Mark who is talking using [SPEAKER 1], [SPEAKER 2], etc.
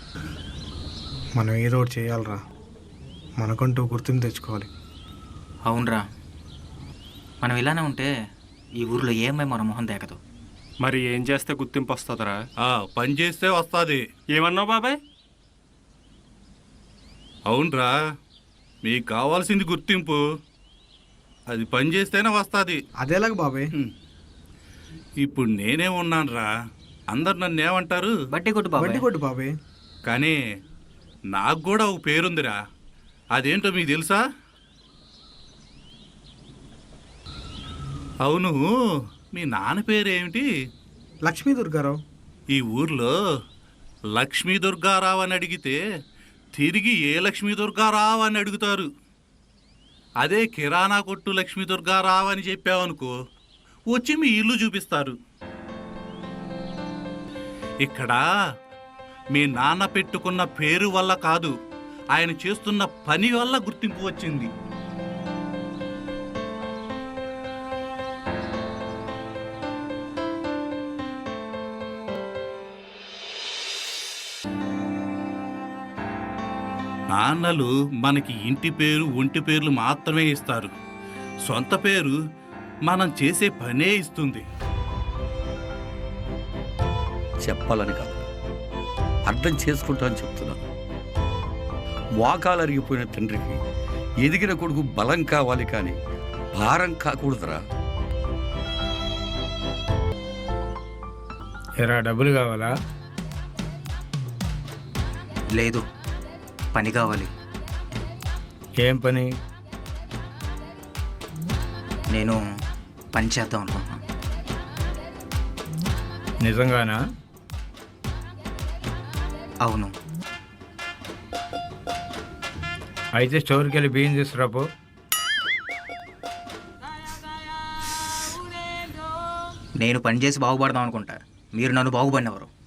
[SPEAKER 1] మనం ఏదో ఒకటి చేయాలరా, మనకంటూ గుర్తింపు తెచ్చుకోవాలి.
[SPEAKER 2] అవునరా, మనం ఇలానే ఉంటే ఈ ఊర్లో ఏమై మన మొహం దేకదు.
[SPEAKER 3] మరి ఏం చేస్తే గుర్తింపు వస్తుందిరా?
[SPEAKER 4] పని చేస్తే వస్తుంది.
[SPEAKER 3] ఏమన్నావు బాబాయ్?
[SPEAKER 4] అవునరా, మీకు కావాల్సింది గుర్తింపు, అది పని చేస్తేనే వస్తుంది.
[SPEAKER 1] అదేలాగ బాబాయ్.
[SPEAKER 4] ఇప్పుడు నేనే ఉన్నానురా, అందరు నన్ను ఏమంటారు?
[SPEAKER 2] బట్టి కొట్టు బాబాయ్.
[SPEAKER 1] వడ్డీ కొట్టు బాబాయ్.
[SPEAKER 4] కానీ నాకు కూడా ఒక పేరుందిరా, అదేంటో మీకు తెలుసా? అవును, మీ నాన్న పేరేమిటి?
[SPEAKER 1] లక్ష్మీ దుర్గారావు.
[SPEAKER 4] ఈ ఊర్లో లక్ష్మీ దుర్గారావు అని అడిగితే తిరిగి ఏ లక్ష్మీ దుర్గారావు అని అడుగుతారు. అదే కిరాణా కొట్టు లక్ష్మీ దుర్గారావు అని చెప్పావనుకో, వచ్చి మీ ఇల్లు చూపిస్తారు. ఇక్కడ మీ నాన్న పెట్టుకున్న పేరు వల్ల కాదు, ఆయన చేస్తున్న పని వల్ల గుర్తింపు వచ్చింది. నాన్నలు మనకి ఇంటి పేరు, ఒంటి పేర్లు మాత్రమే ఇస్తారు. సొంత పేరు మనం చేసే పనే ఇస్తుంది.
[SPEAKER 5] చెప్పాలని కాదు, అర్థం చేసుకుంటానని చెప్తున్నాను. మోకాలు అరిగిపోయిన తండ్రికి ఎదిగిన కొడుకు బలం కావాలి, కానీ భారం కాకూడదురా.
[SPEAKER 1] ఎరా, డబ్బులు కావాలా?
[SPEAKER 2] లేదు, పని కావాలి.
[SPEAKER 1] ఏం పని?
[SPEAKER 2] నేను పని చేద్దాం అనుకుంటున్నాను.
[SPEAKER 1] నిజంగానా?
[SPEAKER 2] అవును.
[SPEAKER 1] అయితే స్టోర్కి వెళ్ళి బియ్యం తీసుకురాపో.
[SPEAKER 2] నేను పని చేసి బాగుపడదాం అనుకుంటా, మీరు నన్ను బాగుపడినవారు.